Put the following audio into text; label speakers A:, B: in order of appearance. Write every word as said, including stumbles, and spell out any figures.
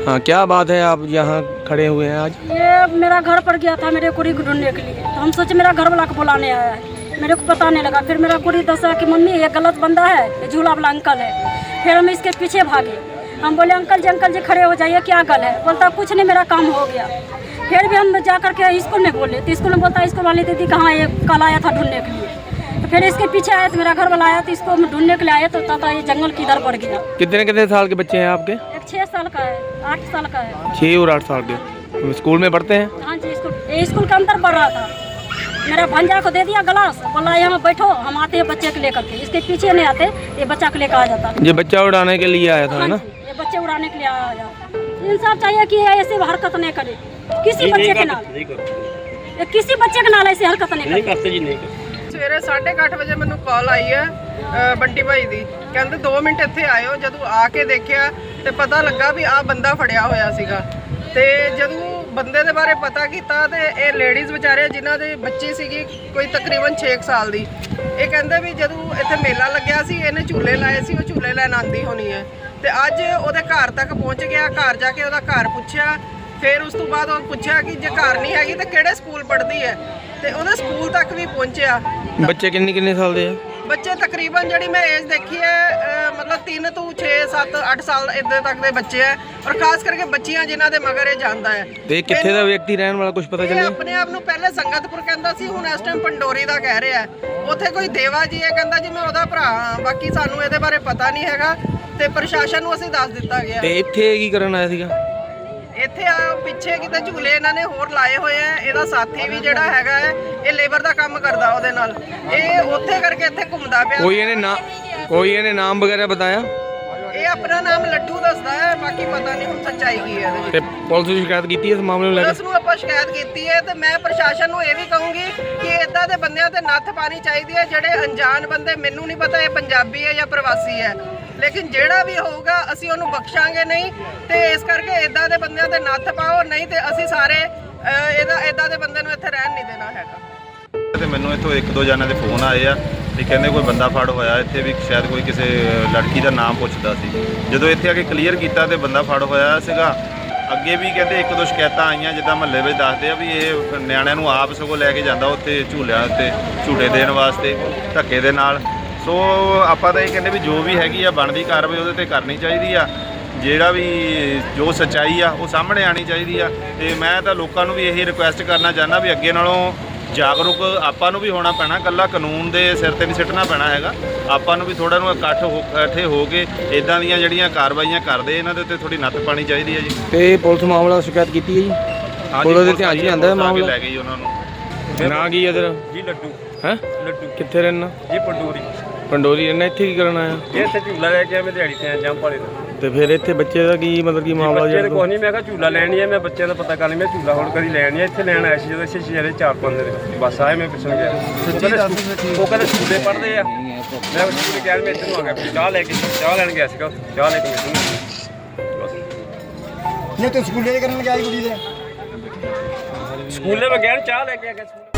A: हाँ, क्या बात है, आप यहाँ खड़े हुए हैं आज?
B: ये मेरा घर पर गया था मेरे कुड़ी को ढूंढने के लिए, तो हम सोचे मेरा घर वाला को बुलाने आया है, मेरे को पता नहीं लगा। फिर मेरा कुड़ी दसा कि मम्मी ये गलत बंदा है, ये झूला वाला अंकल है। फिर हम इसके पीछे भागे, हम बोले अंकल जी अंकल जी खड़े हो जाइए, क्या गल है? बोलता कुछ नहीं, मेरा काम हो गया। फिर भी हम जा करके स्कूल में बोले, तो स्कूल में बोलता स्कूल वाली दीदी कहाँ ये कल आया था ढूंढने के लिए। तो फिर इसके पीछे आया तो मेरा घर वाला आया, तो इसको ढूंढने के लिए आया, तो तथा ये जंगल की इधर पड़ गया।
A: कितने कितने साल के बच्चे हैं आपके?
B: एक छः साल का है, आठ साल का है।
A: छः और आठ साल के स्कूल में पढ़ते हैं?
B: हाँ जी, स्कूल ये स्कूल के अंदर पढ़ रहा था। मेरा भंजा को दे दिया गिलास, बोला यहाँ बैठो, हम आते हैं बच्चे को लेकर के। इसके पीछे नहीं आते, ये बच्चा को लेकर आ जाता।
A: ये बच्चा उड़ाने के लिए आया था, है ना?
B: ये बच्चे उड़ाने के लिए आया जाता। इंसाफ चाहिए कि ऐसे हरकत नहीं करे किसी बच्चे के नाल, किसी बच्चे के नाल ऐसी हरकत नहीं करे।
C: ਸਵੇਰੇ ਸਾਢੇ ਕੁ ਅੱਠ ਵਜੇ ਮੈਨੂੰ ਕਾਲ ਆਈ ਹੈ ਬੰਟੀ ਭਾਈ ਦੀ, ਕਹਿੰਦੇ ਦੋ ਮਿੰਟ ਇੱਥੇ ਆਇਓ। ਜਦੋਂ ਆ ਕੇ ਦੇਖਿਆ ਤੇ ਪਤਾ ਲੱਗਾ ਵੀ ਆਹ ਬੰਦਾ ਫੜਿਆ ਹੋਇਆ ਸੀਗਾ। ਤੇ ਜਦੋਂ ਬੰਦੇ ਦੇ ਬਾਰੇ ਪਤਾ ਕੀਤਾ ਤੇ ਇਹ ਲੇਡੀਜ਼ ਵਿਚਾਰੇ ਜਿਨ੍ਹਾਂ ਦੇ ਬੱਚੀ ਸੀਗੀ ਕੋਈ ਤਕਰੀਬਨ ਛੇ ਸਾਲ ਦੀ, ਇਹ ਕਹਿੰਦੇ ਵੀ ਜਦੋਂ ਇੱਥੇ ਮੇਲਾ ਲੱਗਿਆ ਸੀ ਇਹਨੇ ਝੂਲੇ ਲਾਏ ਸੀ, ਉਹ ਝੂਲੇ ਲੈਣ ਆਂਦੀ ਹੋਣੀ ਹੈ। ਤੇ ਅੱਜ ਉਹਦੇ ਘਰ ਤੱਕ ਪਹੁੰਚ ਗਿਆ, ਘਰ ਜਾ ਕੇ ਉਹਦਾ ਘਰ ਪੁੱਛਿਆ। ਫਿਰ ਉਸ ਤੋਂ ਬਾਅਦ ਉਹ ਪੁੱਛਿਆ ਕਿ ਜੇ ਘਰ ਨਹੀਂ ਹੈਗੀ ਤਾਂ ਕਿਹੜੇ ਸਕੂਲ ਪੜ੍ਹਦੀ ਹੈ, ਤੇ ਉਹਦੇ ਸਕੂਲ ਤੱਕ ਵੀ ਪਹੁੰਚਿਆ।
A: ਬੱਚੇ ਕਿੰਨੇ ਕਿੰਨੇ ਸਾਲ ਦੇ ਆ?
C: ਬੱਚੇ ਤਕਰੀਬਨ ਜਿਹੜੀ ਮੈਂ ਏਜ ਦੇਖੀ ਹੈ ਮਤਲਬ ਤਿੰਨ ਤੋਂ ਛੇ ਸੱਤ ਅੱਠ ਸਾਲ ਇੱਦਾਂ ਤੱਕ ਦੇ ਬੱਚੇ ਹੈ, ਔਰ ਖਾਸ ਕਰਕੇ ਬੱਚੀਆਂ ਜਿਨ੍ਹਾਂ ਦੇ ਮਗਰ ਇਹ ਜਾਂਦਾ ਹੈ।
A: ਤੇ ਕਿੱਥੇ ਦਾ ਵਿਅਕਤੀ ਰਹਿਣ ਵਾਲਾ ਕੁਝ ਪਤਾ ਚੱਲਿਆ?
C: ਆਪਣੇ ਆਪ ਨੂੰ ਪਹਿਲੇ ਸੰਗਤਪੁਰ ਕਹਿੰਦਾ ਸੀ, ਹੁਣ ਇਸ ਟਾਈਮ ਪੰਡੋਰੀ ਦਾ ਕਹਿ ਰਿਹਾ। ਉੱਥੇ ਕੋਈ ਦੇਵਾ ਜੀ ਹੈ, ਕਹਿੰਦਾ ਜੀ ਮੈਂ ਉਹਦਾ ਭਰਾ ਹਾਂ। ਬਾਕੀ ਸਾਨੂੰ ਇਹਦੇ ਬਾਰੇ ਪਤਾ ਨਹੀਂ ਹੈਗਾ, ਤੇ ਪ੍ਰਸ਼ਾਸਨ ਨੂੰ ਅਸੀਂ ਦੱਸ ਦਿੱਤਾ ਗਿਆ।
A: ਤੇ ਇੱਥੇ ਕੀ ਕਰਨ ਆਇਆ ਸੀਗਾ?
C: ਇੱਥੇ ਆ ਪਿੱਛੇ ਕਿਤੇ ਝੂਲੇ ਇਹਨਾਂ ਨੇ ਹੋਰ ਲਾਏ ਹੋਏ ਆ। ਇਹਦਾ ਸਾਥੀ ਵੀ ਜਿਹੜਾ ਹੈਗਾ ਹੈ ਇਹ ਲੇਬਰ ਦਾ ਕੰਮ ਕਰਦਾ ਉਹਦੇ ਨਾਲ, ਇਹ ਉੱਥੇ ਕਰਕੇ ਇੱਥੇ ਘੁੰਮਦਾ ਪਿਆ।
A: ਕੋਈ ਇਹਨੇ ਨਾ ਕੋਈ ਇਹਨੇ ਨਾਮ ਵਗੈरह ਬਤਾਇਆ?
C: ਇਹ ਆਪਣਾ ਨਾਮ ਲੱਡੂ ਦੱਸਦਾ ਹੈ, ਬਾਕੀ ਪਤਾ ਨਹੀਂ ਹੁਣ ਸੱਚਾਈ ਕੀ ਹੈ ਇਹਦੇ ਵਿੱਚ।
A: ਤੇ ਪੁਲਿਸ ਨੂੰ ਸ਼ਿਕਾਇਤ ਕੀਤੀ ਇਸ ਮਾਮਲੇ ਨੂੰ ਲੈ ਕੇ?
C: ਪੁਲਿਸ ਨੂੰ ਆਪਾਂ ਸ਼ਿਕਾਇਤ ਕੀਤੀ ਹੈ, ਤੇ ਮੈਂ ਪ੍ਰਸ਼ਾਸਨ ਨੂੰ ਇਹ ਵੀ ਕਹੂੰਗੀ ਕਿ ਇਦਾਂ ਦੇ ਬੰਦਿਆਂ ਤੇ ਨੱਥ ਪਾਣੀ ਚਾਹੀਦੀ ਹੈ। ਜਿਹੜੇ ਅਣਜਾਣ ਬੰਦੇ, ਮੈਨੂੰ ਨਹੀਂ ਪਤਾ ਇਹ ਪੰਜਾਬੀ ਹੈ ਜਾਂ ਪ੍ਰਵਾਸੀ ਹੈ, ਲੇਕਿਨ ਜਿਹੜਾ ਵੀ ਹੋਊਗਾ ਅਸੀਂ ਉਹਨੂੰ ਬਖਸ਼ਾਂਗੇ ਨਹੀਂ। ਤੇ ਇਸ ਕਰਕੇ ਇਦਾਂ ਦੇ ਬੰਦਿਆਂ ਤੇ ਨੱਥ ਪਾਓ, ਨਹੀਂ ਤੇ ਅਸੀਂ ਸਾਰੇ ਇਹਦਾ ਇਦਾਂ ਦੇ ਬੰਦੇ ਨੂੰ ਇੱਥੇ ਰਹਿਣ ਨਹੀਂ ਦੇਣਾ ਹੈਗਾ।
D: ਤੇ ਮੈਨੂੰ ਇੱਥੋਂ ਇੱਕ ਦੋ ਜਣਾਂ ਦੇ ਫੋਨ ਆਏ ਆ ਤੇ ਕਹਿੰਦੇ ਕੋਈ ਬੰਦਾ ਫੜ ਹੋਇਆ ਇੱਥੇ, ਵੀ ਸ਼ਾਇਦ ਕੋਈ ਕਿਸੇ ਲੜਕੀ ਦਾ ਨਾਮ ਪੁੱਛਦਾ ਸੀ। ਜਦੋਂ ਇੱਥੇ ਆ ਕੇ ਕਲੀਅਰ ਕੀਤਾ ਤੇ ਬੰਦਾ ਫੜ ਹੋਇਆ ਸੀਗਾ। ਅੱਗੇ ਵੀ ਕਹਿੰਦੇ ਇੱਕ ਦੋ ਸ਼ਿਕਾਇਤਾਂ ਆਈਆਂ, ਜਿੱਦਾਂ ਮਹੱਲੇ ਵਿੱਚ ਦੱਸਦੇ ਆ ਵੀ ਇਹ ਨਿਆਣਿਆਂ ਨੂੰ ਆਪ ਸਗੋਂ ਲੈ ਕੇ ਜਾਂਦਾ ਉੱਥੇ ਝੂਲਿਆਂ ਉੱਤੇ ਝੂਟੇ ਦੇਣ ਵਾਸਤੇ ਧੱਕੇ ਦੇ ਨਾਲ। ਸੋ ਆਪਾਂ ਤਾਂ ਇਹ ਕਹਿੰਦੇ ਵੀ ਜੋ ਵੀ ਹੈਗੀ ਆ ਬਣਦੀ ਕਾਰਵਾਈ ਉਹਦੇ ਤੇ ਕਰਨੀ ਚਾਹੀਦੀ ਆ। ਜਿਹੜਾ ਵੀ ਜੋ ਸੱਚਾਈ ਆ ਉਹ ਸਾਹਮਣੇ ਆਣੀ ਚਾਹੀਦੀ ਆ। ਤੇ ਮੈਂ ਤਾਂ ਲੋਕਾਂ ਨੂੰ ਵੀ ਇਹੀ ਰਿਕੁਐਸਟ ਕਰਨਾ ਚਾਹੁੰਦਾ ਵੀ ਅੱਗੇ ਨਾਲੋਂ ਜਾਗਰੂਕ ਆਪਾਂ ਨੂੰ ਵੀ ਹੋਣਾ ਪੈਣਾ, ਇਕੱਲਾ ਕਾਨੂੰਨ ਦੇ ਸਿਰ ਤੇ ਨਹੀਂ ਸਿੱਟਣਾ ਪੈਣਾ ਹੈਗਾ। ਆਪਾਂ ਨੂੰ ਵੀ ਥੋੜਾ ਨੂੰ ਇਕੱਠ ਹੋ ਇਕੱਠੇ ਹੋ ਕੇ ਇਦਾਂ ਦੀਆਂ ਜਿਹੜੀਆਂ ਕਾਰਵਾਈਆਂ ਕਰਦੇ ਇਹਨਾਂ ਦੇ ਉੱਤੇ ਥੋੜੀ ਨੱਥ ਪਾਣੀ ਚਾਹੀਦੀ ਹੈ ਜੀ।
A: ਤੇ ਪੁਲਿਸ ਮਾਮਲਾ ਸ਼ਿਕਾਇਤ ਕੀਤੀ ਹੈ ਜੀ? ਪੁਲਿਸ ਦੇ ਧਿਆਨ 'ਚ ਆਂਦਾ ਮਾਮਲਾ? ਲੈ
D: ਗਈ ਉਹਨਾਂ ਨੂੰ।
A: ਨਾ ਕੀ ਇਧਰ
E: ਜੀ ਲੱਡੂ
A: ਹੈ?
E: ਲੱਡੂ
A: ਕਿੱਥੇ ਰਹਿਣਾ
E: ਜੀ? ਪੰਡੋਰੀ।
A: ਪੰਡੋਰੀ ਰਹਿਣਾ। ਇੱਥੇ ਕੀ ਕਰਨ ਆਇਆ?
E: ਇਹ ਇੱਥੇ ਝੂਲਾ ਲੈ ਕੇ ਆਇਆ, ਮੈਂ ਦਿਹਾੜੀ ਤੇ ਆਇਆ ਜੰਪ ਵਾਲੇ ਦਾ।
A: ਤੇ ਫਿਰ ਇੱਥੇ ਬੱਚੇ ਦਾ ਕੀ ਮਤਲਬ ਕੀ ਮਾਮਲਾ?
E: ਬੱਚੇ ਦੇ ਕੋਈ ਨਹੀਂ, ਮੈਂ ਕਿਹਾ ਝੂਲਾ ਲੈਣੀ ਹੈ, ਮੈਂ ਬੱਚਿਆਂ ਦਾ ਪਤਾ ਕਰਨੀ, ਮੈਂ ਝੂਲਾ ਹੁਣ ਕਦੀ ਲੈਣੀ ਹੈ। ਇੱਥੇ ਲੈਣ ਆਇਆ ਸੀ ਜਦੋਂ ਇੱਥੇ ਸ਼ਹਿਰੇ ਚਾਰ ਪੰਜ ਦਿਨ ਬਸ ਆਏ, ਮੈਂ ਪੁੱਛਣ ਗਿਆ। ਉਹ ਕਹਿੰਦੇ ਸਕੂਲੇ ਪੜ੍ਹਦੇ ਆ। ਮੈਂ ਸਕੂਲੇ ਗਿਆ, ਮੈਂ ਇੱਥੇ ਨੂੰ ਆ ਗਿਆ, ਚਾਹ ਲੈ ਕੇ ਚਾਹ ਲੈਣ ਗਿਆ ਸੀਗਾ, ਚਾਹ ਲੈ ਕੇ ਬਸ।
F: ਨਹੀਂ ਤੂੰ ਸਕੂਲੇ ਕਰਨ ਗਿਆ ਕੁੜੀ ਦੇ?
E: ਸਕੂਲੇ ਮੈਂ ਗਿਆ ਚਾਹ ਲੈ ਕੇ ਆ ਗਿਆ।